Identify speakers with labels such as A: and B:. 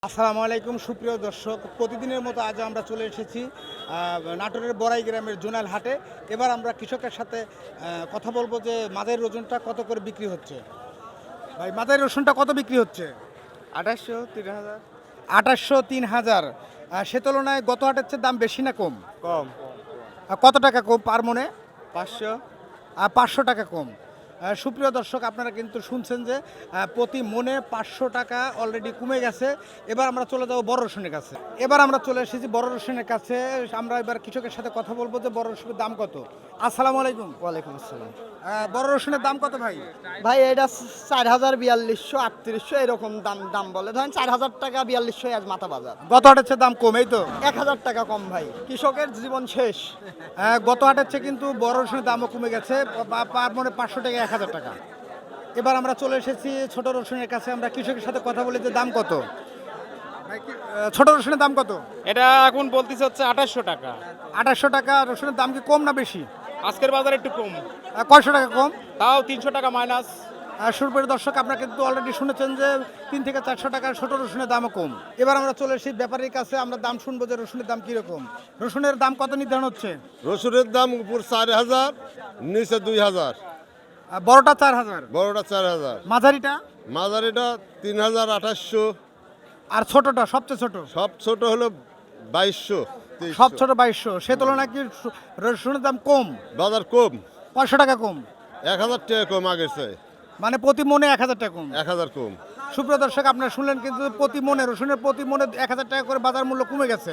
A: আসসালামু আলাইকুম সুপ্রিয় দর্শক, প্রতিদিনের মতো আজ আমরা চলে এসেছি নাটোরের বড়াই গ্রামের জোনাল হাটে। এবার আমরা কৃষকের সাথে কথা বলবো যে মাদাইর রসুনটা কত করে বিক্রি হচ্ছে। ভাই, মাদাইর রসুনটা কত বিক্রি হচ্ছে?
B: 2800 3000
A: 2800 3000। সে তুলনায় গত হাটের চেয়ে দাম বেশি না কম?
B: কম।
A: কত টাকা কম পার মনে?
B: 500
A: 500 টাকা কম। সুপ্রিয় দর্শক, আপনারা কিন্তু শুনছেন যে প্রতি মনে 500 টাকা অলরেডি কমে গেছে। এবার আমরা চলে যাব বড় রসুনের কাছে। এবার আমরা চলে এসেছি বড় রসুনের কাছে। আমরা এবার কৃষকের সাথে কথা বলবো যে বড় রসুনের দাম কত। আসসালামু আলাইকুম।
B: ওয়ালাইকুম আসসালাম।
A: বড় রসুনের দাম কত ভাই?
B: ভাই এটা 4000 4200 3800 এরকম দাম বলে, ধরেন 4000 টাকা 4200 আজ মাথা বাজার।
A: গত হাটের চেয়ে দাম কম, এই তো
B: 1000 টাকা কম ভাই, কৃষকের জীবন শেষ।
A: গত হাটের চেয়ে কিন্তু বড় রসুনের দামও কমে গেছে, পার মনে 500 টাকা 1000 টাকা। এবার আমরা চলে এসেছি ছোট রসুনের কাছে। আমরা কৃষকের সাথে কথা বলি যে দাম কত। ছোট রসুনের দাম কত?
C: এটা এখন বলতেছে হচ্ছে 2800 টাকা।
A: 2800 টাকা। রসুনের দাম কি কম না বেশি?
C: আজকের বাজারে একটু কম,
A: কয়শো টাকা কম?
C: তাও 300 টাকা মাইনাস।
A: সুরপুরের দর্শক, আপনারা কিন্তু অলরেডি শুনেছেন যে 3 থেকে 400 টাকার ছোট রসুনের দামও কম। এবার আমরা চলে এসেছি ব্যাপারীর কাছে। আমরা দাম শুনবো যে রসুনের দাম কীরকম। রসুনের দাম কত নির্ধারণ হচ্ছে?
D: রসুনের দাম উপর 4000, নিচে 2000,
A: বড়টা 4000,
D: বড়টা 4000,
A: মাঝারিটা,
D: মাঝারিটা 3800,
A: আর ছোটটা সবচেয়ে ছোট?
D: সব ছোট হলো 2200
A: সব
D: 2300।
A: ছোট 2200। সে তুলনায় কি রসুনের দাম কম?
D: বাজার কম,
A: 500 টাকা কম,
D: 1000 টাকা কম আগের চেয়ে,
A: মানে প্রতি মনে 1000 টাকা কম।
D: 1000 কম।
A: সুপ্রিয় দর্শক, আপনারা শুনলেন কিন্তু প্রতি মনে রসুনের প্রতি মনে 1000 টাকা করে বাজার মূল্য কমে গেছে।